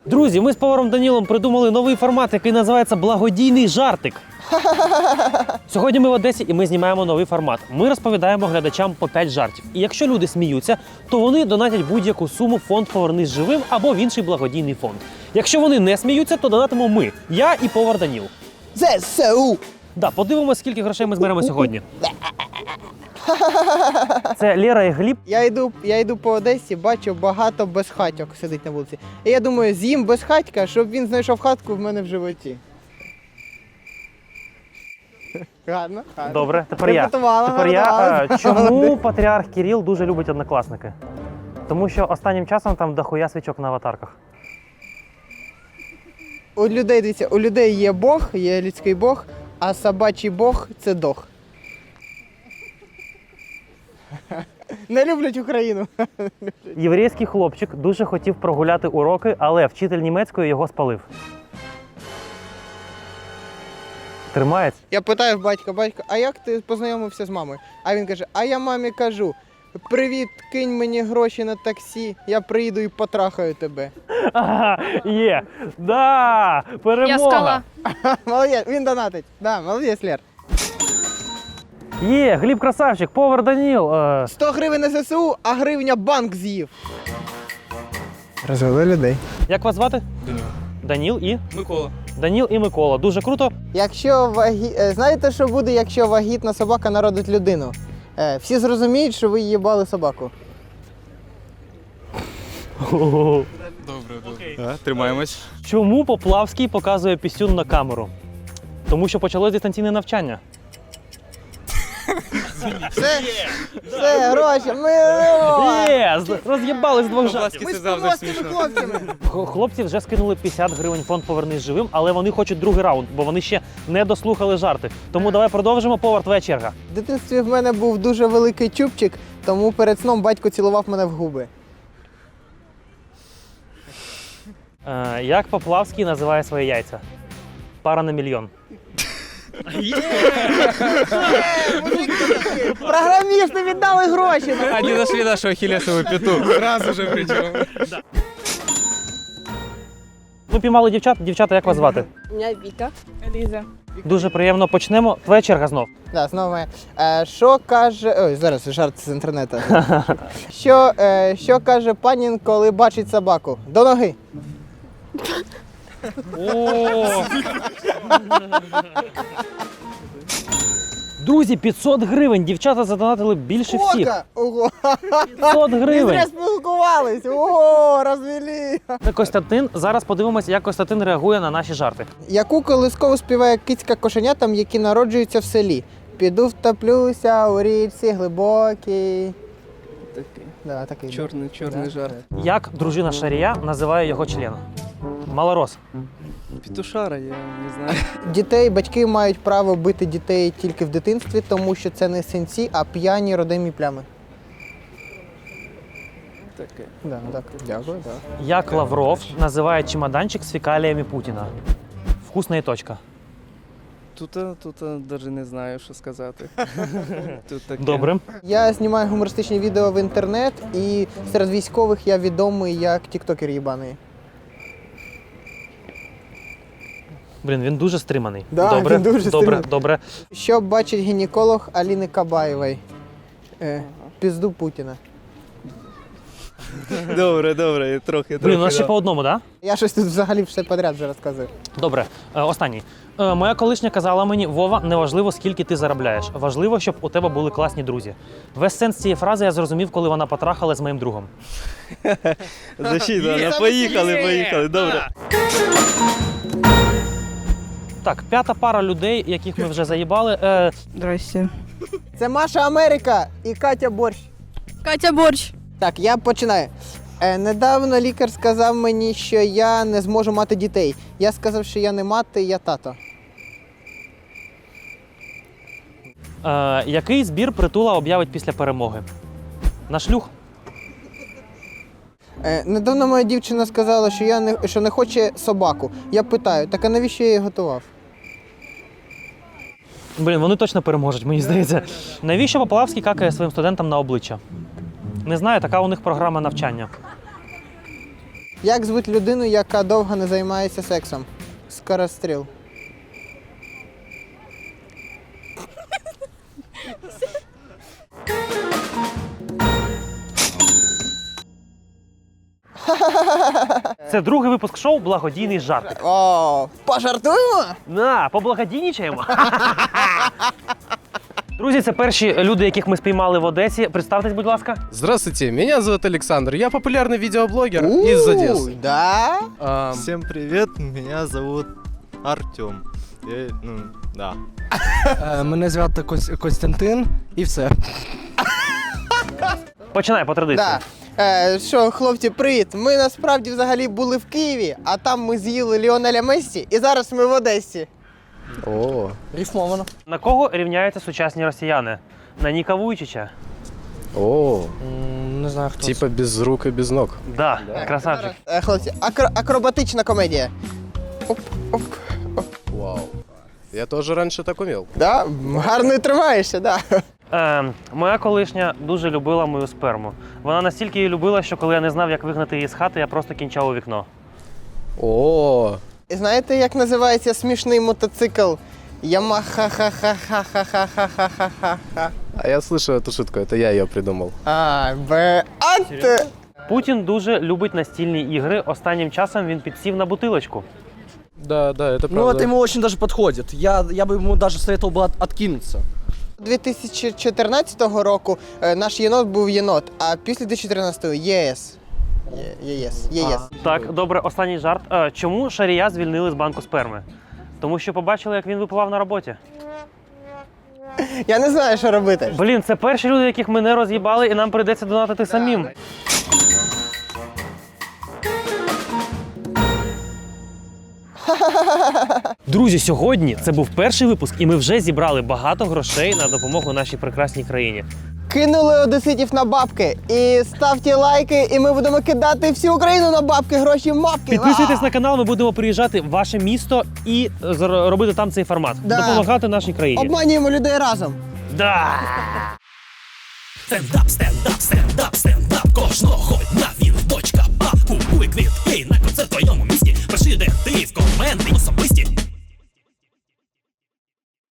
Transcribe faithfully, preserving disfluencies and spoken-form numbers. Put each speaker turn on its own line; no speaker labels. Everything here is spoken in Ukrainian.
Друзі, ми з поваром Данілом придумали новий формат, який називається «Благодійний жартик». Сьогодні ми в Одесі і ми знімаємо новий формат. Ми розповідаємо глядачам по п'ять жартів. І якщо люди сміються, то вони донатять будь-яку суму в фонд «Повернись живим» або в інший благодійний фонд. Якщо вони не сміються, то донатимо ми, я і повар Даніл.
ЗСУ!
Да, подивимось, скільки грошей ми зберемо сьогодні. Це Лера і Гліб.
Я йду, я йду по Одесі, бачу багато безхатьок сидить на вулиці. І я думаю, з'їм безхатька, щоб він знайшов хатку в мене в животі. Гарно, гарно.
Добре, тепер я.
Приготувала,
Тепер я.
готувала.
Е, Чому патріарх Кирил дуже любить однокласники? Тому що останнім часом там дохуя свічок на аватарках.
У людей, дивіться, у людей є Бог, є людський Бог, а собачий Бог – це дог. Не люблять Україну.
Єврейський хлопчик дуже хотів прогуляти уроки, але вчитель німецької його спалив. Тримається?
Я питаю в батька, батько, а як ти познайомився з мамою? А він каже, а я мамі кажу, привіт, кинь мені гроші на таксі, я приїду і потрахаю тебе.
Ага, є! Да! Перемога!
Я скала.
Молодець, він донатить. Да, молодець, Лер.
Є! Гліб красавчик, повар Даніл. Е...
сто гривень на ЗСУ, а гривня банк з'їв. Розвели людей.
Як вас звати?
Даніл.
Даніл і?
Микола.
Даніл і Микола. Дуже круто.
Якщо вагі... е, Знаєте, що буде, якщо вагітна собака народить людину? Е, Всі зрозуміють, що ви їбали собаку.
Добре, добре. А, тримаємось.
Чому Поплавський показує пісюн на камеру? Тому що почалось дистанційне навчання.
Все, все, гроші, ми...
Є! з- Роз'єбали з двох жартів.
Ми
Це
з
завжди
плоскими
смішно.
хлопцями.
Х- Хлопці вже скинули п'ятдесят гривень в фонд «Повернись живим», але вони хочуть другий раунд, бо вони ще не дослухали жарти. Тому давай продовжимо. Повар, твоя черга.
В дитинстві в мене був дуже великий чубчик, тому перед сном батько цілував мене в губи.
Е, як Поплавський називає свої яйця? Пара на мільйон.
Програмісти віддали гроші!
Они нашли нашу ахиллесову пяту. Сразу же причем.
Ми піймали дівчат. Дівчата, як вас звати?
Мене Віка. Ліза.
Дуже приємно. Почнемо. Твоя черга знов.
Да, знову моя. Е, що каже. Ой, зараз жарт з інтернету. Що, е, що каже панін, коли бачить собаку? До ноги.
О! Друзі, п'ятсот гривень. Дівчата задонатили більше всіх.
Ока! Ого!
п'ятсот
Ми
гривень.
зря спілкувались! Ого, розвели!
Це Костянтин. Зараз подивимося, як Костянтин реагує на наші жарти.
Яку колискову співає кицька кошенятам, які народжуються в селі? Піду втоплюся у річці глибокій.
Такий
Да, такий.
чорний, чорний
Да.
жарт.
Як дружина Шарія називає його член? Малорос.
Петушара, я не знаю.
Дітей, батьки мають право бити дітей тільки в дитинстві, тому що це не синці, а п'яні родимі плями.
Таке.
Да, так, дякую, так.
Як Лавров називає чемоданчик з фекаліями Путіна? Вкусна і точка.
Тут, тут навіть не знаю, що сказати. Тут таке.
Добре.
Я знімаю гумористичні відео в інтернет, і серед військових я відомий як тіктокер їбаний.
Блін, він дуже стриманий.
Да,
добре,
він дуже
добре,
стриманий.
добре.
Що бачить гінеколог Аліни Кабаєвої? Е, пізду Путіна.
Добре, добре, трохи,
Блін, у нас
трохи.
ще
да.
по одному, так?
Я щось тут взагалі все подряд вже розказую.
Да? Добре. Е, останній. Е, моя колишня казала мені: Вова, неважливо, скільки ти заробляєш. Важливо, щоб у тебе були класні друзі. Весь сенс цієї фрази я зрозумів, коли вона потрахала з моїм другом.
Защита, ну, поїхали, поїхали, добре.
Так, п'ята пара людей, яких ми вже заїбали. Е,
Здрасте.
Це Маша Америка і Катя Борщ.
Катя Борщ.
Так, я починаю. Е, недавно лікар сказав мені, що я не зможу мати дітей. Я сказав, що я не мати, я тато.
е, який збір Притула об'явить після перемоги? На шлюх?
Е, недавно моя дівчина сказала, що, я не, що не хоче собаку. Я питаю, так а навіщо я її готував?
Блін, вони точно переможуть, мені здається. Навіщо Поплавський какає своїм студентам на обличчя? Не знаю, така у них програма навчання.
Як звуть людину, яка довго не займається сексом? Скоростріл.
Це другий випуск шоу Благодійний жартик.
О, пожартуємо?
На, поблагодійнічаємо. Друзі, це перші люди, яких ми спіймали в Одесі. Представтесь, будь ласка.
Здравствуйте, меня зовут Александр. Я популярный видеоблогер из Одессы.
Да?
Ам,
Всем привет, меня зовут Артем. Я, ну, да.
Е, Мене звати Кос- Костянтин і все.
Починай по традиції.
Да. Е, що, хлопці, привіт. Ми насправді взагалі були в Києві, а там ми з'їли Ліонеля Мессі, і зараз ми в Одесі.
О,
Рифмовано.
На кого рівняються сучасні росіяни? На Ніка Вуйчича?
о,
Не знаю, хто це.
типа без рук и без ног.
Да, красавчик.
Е, хлопці, акро- акробатична комедія. Оп, оп.
Вау. Я тоже раньше так умел.
Да? Гарно тримаєшся, да.
Е, моя колишня дуже любила мою сперму. Вона настільки її любила, що коли я не знав, як вигнати її з хати, я просто кінчав у вікно.
О,
І знаєте, як називається смішний мотоцикл? Ямаха-ха-ха-ха-ха-ха-ха-ха-ха.
а я слышу эту шутку, это я ее придумал.
А, Б, а ти.
Путін дуже любить настільні ігри. Останнім часом він підсів на бутилочку.
Да, да, это
Ну,
правда.
это ему очень даже подходит. Я, я бы ему даже советовал бы от- откинуться.
дві тисячі чотирнадцятого року е, наш єнот був єнот, а після дві тисячі тринадцятого ЄС. Є- ЄС. ЄС.
Так, добре, останній жарт. Е, чому Шарія звільнили з банку сперми? Тому що побачили, як він випивав на роботі.
Я не знаю, що робити.
Блін, це перші люди, яких ми не роз'їбали, і нам прийдеться донатити самим. Друзі, сьогодні це був перший випуск, і ми вже зібрали багато грошей на допомогу нашій прекрасній країні.
Кинули одеситів на бабки. І ставте лайки, і ми будемо кидати всю Україну на бабки, гроші, мапки.
Підписуйтесь на канал, ми будемо приїжджати в ваше місто і е, зар- робити там цей формат.
Да.
Допомагати нашій країні.
Обманюємо людей разом.
Да!
Stand up, stand up, stand up, stand